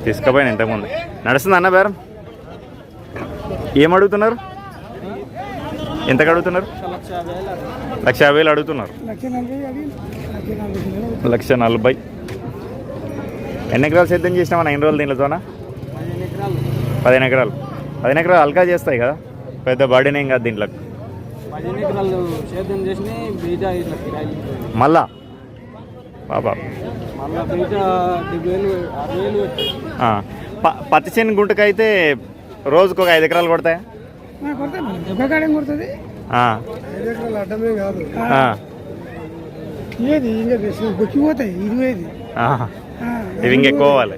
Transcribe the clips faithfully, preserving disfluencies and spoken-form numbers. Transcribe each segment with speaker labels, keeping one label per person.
Speaker 1: తీసుకుపోయిన ఇంతకుముందు నడుస్తుంది అన్న బేరం ఏం అడుగుతున్నారు ఎంతకు అడుగుతున్నారు లక్ష యాభై వేలు అడుగుతున్నారు లక్ష నలభై ఎన్ని ఎకరాలు సిద్ధం చేసినామన్నా ఎన్ని రోజులు దీనితోనా పదిహేను ఎకరాలు పదిహేను ఎకరాలు అల్కా చేస్తాయి కదా పెద్ద బర్డెన్ ఏం కాదు దీంట్లో మళ్ళా బాబా పత్తి చేను గుంటకైతే రోజుకు ఒక ఐదు ఎకరాలు కొడతాయా ఇవి ఇంకెక్కువ పోవాలి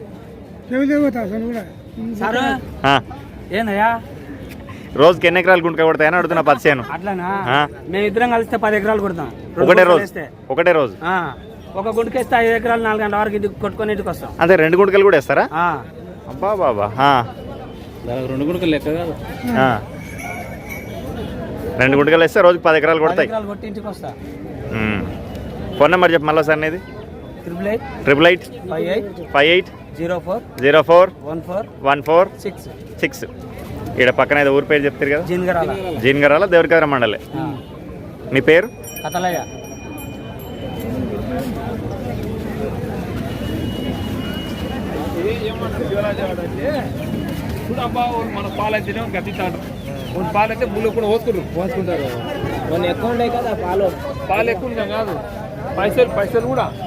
Speaker 1: రోజుకి ఎన్ని ఎకరాలు గుంటకాయ కొడతాయని అడుగుతున్నా పత్తి చేను
Speaker 2: అట్లానా మేము ఇద్దరం కలిస్తే పది ఎకరాలు కొడతాం
Speaker 1: ఒకటే రోజు ఒకటే రోజు
Speaker 2: ఒక గుంటకేస్తే ఐదు ఎకరాలు నాలుగు గంటల వరకు ఇది కొట్టుకొని ఇంటికి వస్తాం
Speaker 1: అదే రెండు గుంటకలు కూడా వేస్తారా అబ్బా బాబా
Speaker 2: రెండు గుంటకలు లెక్క కాదు
Speaker 1: రెండు గుంటకలు వేస్తే రోజుకి పది ఎకరాలు కొడతాయి
Speaker 2: కొట్టి ఇంటికి వస్తా
Speaker 1: ఫోన్ నెంబర్ చెప్పు మళ్ళీ సార్ అనేది
Speaker 2: triple eight
Speaker 1: triple eight
Speaker 2: five eight
Speaker 1: five eight
Speaker 2: zero four
Speaker 1: zero four
Speaker 2: one four
Speaker 1: one four
Speaker 2: six
Speaker 1: six ఇక్కడ పక్కన ఏదో ఊరి పేరు చెప్తారు కదా
Speaker 2: జీన్గరాల
Speaker 1: జీన్గరాల దేవరికద్ర మండలే మీ పేరు
Speaker 2: కథలయ్య మన పాలైతే గతిస్తాడు పాలైతే బుల్లు కూడా పోసుకుంటారు పోసుకుంటారు మన ఎక్కువ ఉన్నాయి కదా పాలు పాలు ఎక్కువ కాదు పైసలు పైసలు కూడా